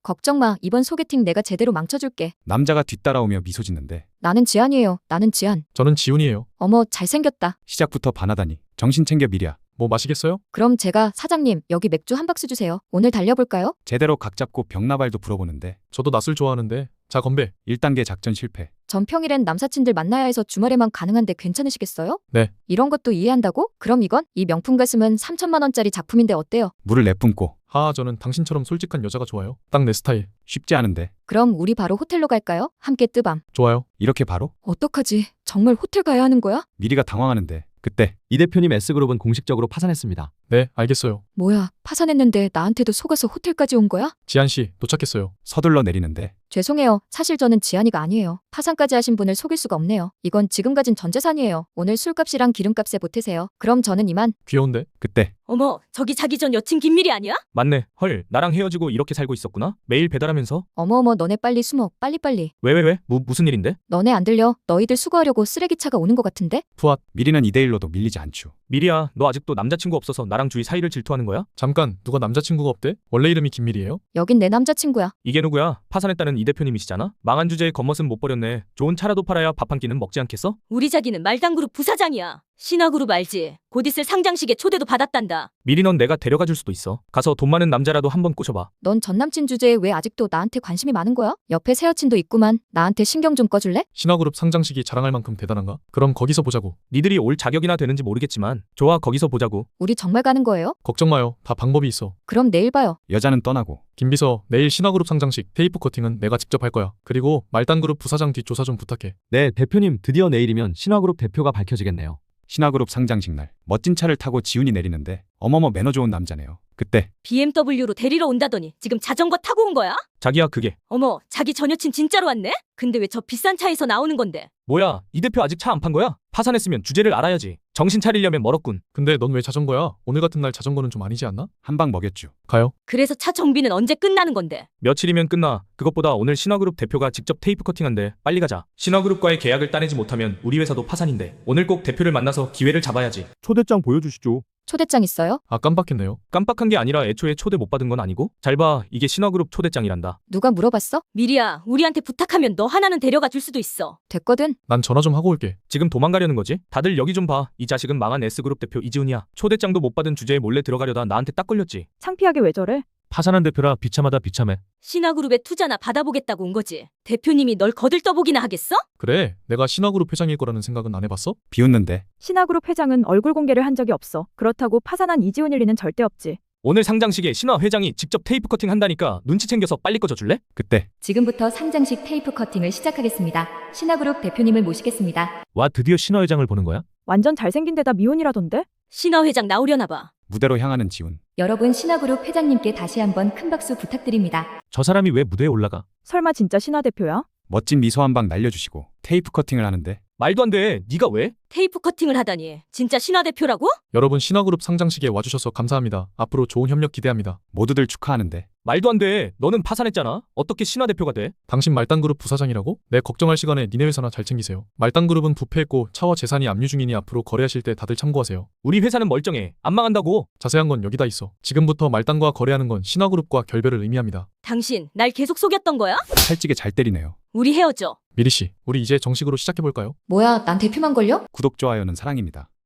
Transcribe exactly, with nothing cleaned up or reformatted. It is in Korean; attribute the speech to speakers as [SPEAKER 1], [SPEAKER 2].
[SPEAKER 1] 걱정 마. 이번 소개팅 내가 제대로 망쳐줄게.
[SPEAKER 2] 남자가 뒤따라오며 미소 짓는데
[SPEAKER 1] 나는 지안이에요. 나는 지안.
[SPEAKER 3] 저는 지훈이에요.
[SPEAKER 1] 어머, 잘생겼다.
[SPEAKER 2] 시작부터 반하다니. 정신 챙겨 미리야.
[SPEAKER 3] 뭐 마시겠어요?
[SPEAKER 1] 그럼 제가 사장님, 여기 맥주 한 박스 주세요. 오늘 달려볼까요?
[SPEAKER 2] 제대로 각 잡고 벽나발도 불어보는데
[SPEAKER 3] 저도 낮술 좋아하는데. 자, 건배.
[SPEAKER 2] 일 단계 작전 실패.
[SPEAKER 1] 전 평일엔 남사친들 만나야 해서 주말에만 가능한데 괜찮으시겠어요?
[SPEAKER 3] 네.
[SPEAKER 1] 이런 것도 이해한다고? 그럼 이건? 이 명품 가슴은 삼천만 원짜리 작품인데 어때요?
[SPEAKER 2] 물을 내뿜고.
[SPEAKER 3] 하하, 저는 당신처럼 솔직한 여자가 좋아요. 딱 내 스타일.
[SPEAKER 2] 쉽지 않은데.
[SPEAKER 1] 그럼 우리 바로 호텔로 갈까요? 함께 뜨밤.
[SPEAKER 3] 좋아요.
[SPEAKER 2] 이렇게 바로?
[SPEAKER 1] 어떡하지? 정말 호텔 가야 하는 거야?
[SPEAKER 2] 미리가 당황하는데 그때
[SPEAKER 4] 이 대표님 S그룹은 공식적으로 파산했습니다.
[SPEAKER 3] 네, 알겠어요.
[SPEAKER 1] 뭐야, 파산했는데 나한테도 속아서 호텔까지 온 거야?
[SPEAKER 3] 지한씨, 도착했어요.
[SPEAKER 2] 서둘러 내리는데
[SPEAKER 1] 죄송해요. 사실 저는 지안이가 아니에요. 파산까지 하신 분을 속일 수가 없네요. 이건 지금 가진 전 재산이에요. 오늘 술값이랑 기름값에 보태세요. 그럼 저는 이만.
[SPEAKER 3] 귀여운데?
[SPEAKER 2] 그때
[SPEAKER 5] 어머, 저기 자기 전 여친 김미리 아니야?
[SPEAKER 6] 맞네. 헐, 나랑 헤어지고 이렇게 살고 있었구나. 매일 배달하면서.
[SPEAKER 1] 어머어머, 너네 빨리 숨어. 빨리빨리.
[SPEAKER 6] 왜 왜 왜? 무, 무슨 일인데?
[SPEAKER 1] 너네 안 들려? 너희들 수거하려고 쓰레기차가 오는 것 같은데?
[SPEAKER 3] 푸앗.
[SPEAKER 2] 미리는 이 대 일로도 밀리지 않죠.
[SPEAKER 6] 미리야, 너 아직도 남자친구 없어서 나랑 주위 사이를 질투하는 거야?
[SPEAKER 3] 잠깐, 누가 남자친구가 없대? 원래 이름이 김밀이에요?
[SPEAKER 1] 여긴 내 남자친구야.
[SPEAKER 6] 이게 누구야? 파산했다는 이 대표님이시잖아? 망한 주제에 겉멋은 못 버렸네. 좋은 차라도 팔아야 밥 한 끼는 먹지 않겠어?
[SPEAKER 5] 우리 자기는 말당그룹 부사장이야. 신화그룹 알지? 곧 있을 상장식에 초대도 받았단다.
[SPEAKER 6] 미리 넌 내가 데려가 줄 수도 있어. 가서 돈 많은 남자라도 한번 꼬셔봐.
[SPEAKER 1] 넌 전남친 주제에 왜 아직도 나한테 관심이 많은 거야? 옆에 새 여친도 있구만. 나한테 신경 좀 꺼줄래?
[SPEAKER 3] 신화그룹 상장식이 자랑할 만큼 대단한가? 그럼 거기서 보자고.
[SPEAKER 6] 니들이 올 자격이나 되는지 모르겠지만 좋아, 거기서 보자고.
[SPEAKER 1] 우리 정말 가는 거예요?
[SPEAKER 3] 걱정 마요. 다 방법이 있어.
[SPEAKER 1] 그럼 내일 봐요.
[SPEAKER 2] 여자는 떠나고
[SPEAKER 3] 김비서, 내일 신화그룹 상장식 테이프 커팅은 내가 직접 할 거야. 그리고 말단그룹 부사장 뒷조사 좀 부탁해.
[SPEAKER 4] 네, 대표님 드디어 내일이면 신화그룹 대표가 밝혀지겠네요.
[SPEAKER 2] 신화그룹 상장식 날 멋진 차를 타고 지훈이 내리는데 어머머 매너 좋은 남자네요. 그때
[SPEAKER 5] 비엠더블유로 데리러 온다더니 지금 자전거 타고 온 거야?
[SPEAKER 6] 자기야, 그게.
[SPEAKER 5] 어머, 자기 전 여친 진짜로 왔네? 근데 왜 저 비싼 차에서 나오는 건데?
[SPEAKER 6] 뭐야, 이 대표 아직 차 안 판 거야? 파산했으면 주제를 알아야지. 정신 차리려면 멀었군.
[SPEAKER 3] 근데 넌 왜 자전거야? 오늘 같은 날 자전거는 좀 아니지 않나?
[SPEAKER 2] 한 방 먹였죠.
[SPEAKER 3] 가요.
[SPEAKER 5] 그래서 차 정비는 언제 끝나는 건데?
[SPEAKER 6] 며칠이면 끝나. 그것보다 오늘 신화그룹 대표가 직접 테이프 커팅한대. 빨리 가자. 신화그룹과의 계약을 따내지 못하면 우리 회사도 파산인데 오늘 꼭 대표를 만나서 기회를 잡아야지.
[SPEAKER 4] 초대장 보여주시죠.
[SPEAKER 1] 초대장 있어요?
[SPEAKER 3] 아, 깜빡했네요.
[SPEAKER 6] 깜빡한 게 아니라 애초에 초대 못 받은 건 아니고? 잘 봐, 이게 신화그룹 초대장이란다.
[SPEAKER 1] 누가 물어봤어?
[SPEAKER 5] 미리야, 우리한테 부탁하면 너 하나는 데려가 줄 수도 있어.
[SPEAKER 1] 됐거든.
[SPEAKER 3] 난 전화 좀 하고 올게.
[SPEAKER 6] 지금 도망가려는 거지? 다들 여기 좀 봐. 이 자식은 망한 S그룹 대표 이지훈이야. 초대장도 못 받은 주제에 몰래 들어가려다 나한테 딱 걸렸지.
[SPEAKER 7] 창피하게 왜 저래?
[SPEAKER 6] 파산한 대표라 비참하다 비참해.
[SPEAKER 5] 신화그룹에 투자나 받아보겠다고 온 거지. 대표님이 널 거들떠보기나 하겠어?
[SPEAKER 3] 그래, 내가 신화그룹 회장일 거라는 생각은 안 해봤어?
[SPEAKER 2] 비웃는데
[SPEAKER 7] 신화그룹 회장은 얼굴 공개를 한 적이 없어. 그렇다고 파산한 이지훈일 리는 절대 없지.
[SPEAKER 6] 오늘 상장식에 신화 회장이 직접 테이프 커팅 한다니까 눈치 챙겨서 빨리 꺼져줄래?
[SPEAKER 2] 그때
[SPEAKER 1] 지금부터 상장식 테이프 커팅을 시작하겠습니다. 신화그룹 대표님을 모시겠습니다.
[SPEAKER 6] 와, 드디어 신화 회장을 보는 거야?
[SPEAKER 7] 완전 잘생긴 데다 미혼이라던데?
[SPEAKER 5] 신화 회장 나오려나 봐.
[SPEAKER 2] 무대로 향하는 지훈.
[SPEAKER 1] 여러분, 신화그룹 회장님께 다시 한번 큰 박수 부탁드립니다.
[SPEAKER 6] 저 사람이 왜 무대에 올라가?
[SPEAKER 7] 설마 진짜 신화 대표야?
[SPEAKER 2] 멋진 미소 한 방 날려주시고 테이프 커팅을 하는데
[SPEAKER 6] 말도 안 돼. 네가 왜?
[SPEAKER 5] 테이프 커팅을 하다니. 진짜 신화 대표라고?
[SPEAKER 3] 여러분, 신화그룹 상장식에 와주셔서 감사합니다. 앞으로 좋은 협력 기대합니다.
[SPEAKER 2] 모두들 축하하는데
[SPEAKER 6] 말도 안 돼. 너는 파산했잖아. 어떻게 신화 대표가 돼?
[SPEAKER 3] 당신 말단그룹 부사장이라고? 내 걱정할 시간에 니네 회사나 잘 챙기세요. 말단그룹은 부패했고 차와 재산이 압류 중이니 앞으로 거래하실 때 다들 참고하세요.
[SPEAKER 6] 우리 회사는 멀쩡해. 안 망한다고.
[SPEAKER 3] 자세한 건 여기다 있어. 지금부터 말단과 거래하는 건 신화그룹과 결별을 의미합니다.
[SPEAKER 5] 당신 날 계속 속였던 거야?
[SPEAKER 2] 찰지게 잘 때리네요.
[SPEAKER 5] 우리 헤어져.
[SPEAKER 3] 미리씨, 우리 이제 정식으로 시작해볼까요?
[SPEAKER 1] 뭐야, 난 대표만 걸려?
[SPEAKER 2] 구독 좋아요는 사랑입니다.